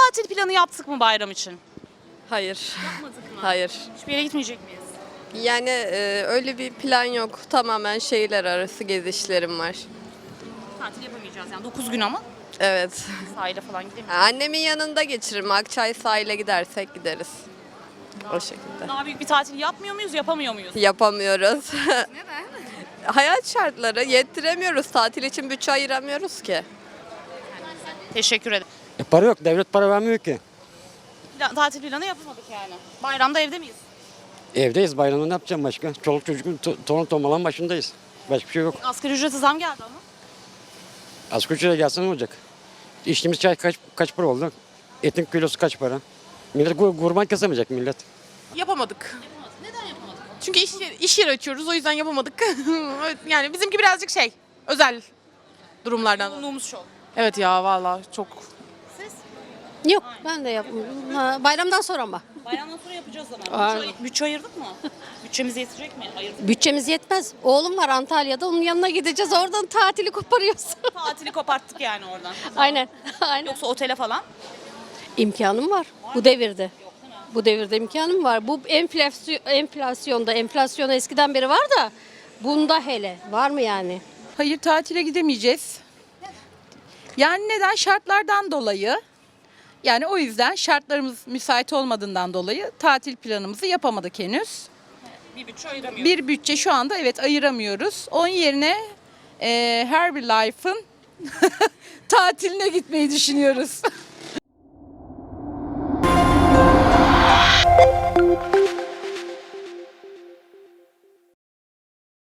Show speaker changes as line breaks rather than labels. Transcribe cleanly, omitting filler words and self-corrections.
tatil planı yaptık mı bayram için?
Hayır.
Yapmadık mı?
Hayır.
Hiçbir yere gitmeyecek miyiz?
Yani öyle bir plan yok. Tamamen şehirler arası gezişlerim var.
Tatil yapamayacağız yani 9 gün ama
Evet.
sahile falan gidemeyiz.
Annemin yanında geçiririm. Akçay sahile gidersek gideriz. O şekilde.
Daha büyük bir tatil yapmıyor muyuz, yapamıyor muyuz?
Yapamıyoruz. Neden? Hayat şartları yettiremiyoruz. Tatil için bütçe ayıramıyoruz ki.
Teşekkür ederim.
Para yok. Devlet para vermiyor ki.
Tatil planı yapamadık yani. Bayramda evde miyiz?
Evdeyiz. Bayramda ne yapacağım başka? Çoluk çocuk torun tomalan başındayız. Başka bir şey yok.
Asgari ücrete zam geldi ama.
Asgari ücrete gelse ne olacak? İçtiğimiz çay kaç para oldu? Etin kilosu kaç para? Millet kurban kesemeyecek millet.
Yapamadık.
Neden yapamadık?
Çünkü iş yeri açıyoruz, o yüzden yapamadık. Yani bizimki birazcık özel durumlardan.
Yoğunluğumuz çok.
Evet ya, vallahi çok.
Yok ben de yapmıyorum. Bayramdan sonra ama.
Bayramdan sonra yapacağız ama.
Aynen.
Bütçe ayırdık mı? Bütçemiz yetecek mi? Ayırdık.
Bütçemiz yetmez. Oğlum var Antalya'da, onun yanına gideceğiz. Oradan tatili koparıyoruz.
Tatili koparttık yani oradan.
Aynen. Aynen.
Yoksa otele falan.
İmkanım var bu devirde. Bu devirde imkanım var. Bu enflasyon eskiden beri var da bunda hele var mı yani?
Hayır, tatile gidemeyeceğiz. Yani neden? Şartlardan dolayı. Yani o yüzden şartlarımız müsait olmadığından dolayı tatil planımızı yapamadık henüz.
Bir bütçe ayıramıyoruz.
Bir bütçe şu anda evet ayıramıyoruz. Onun yerine Herbie Life'ın tatiline gitmeyi düşünüyoruz.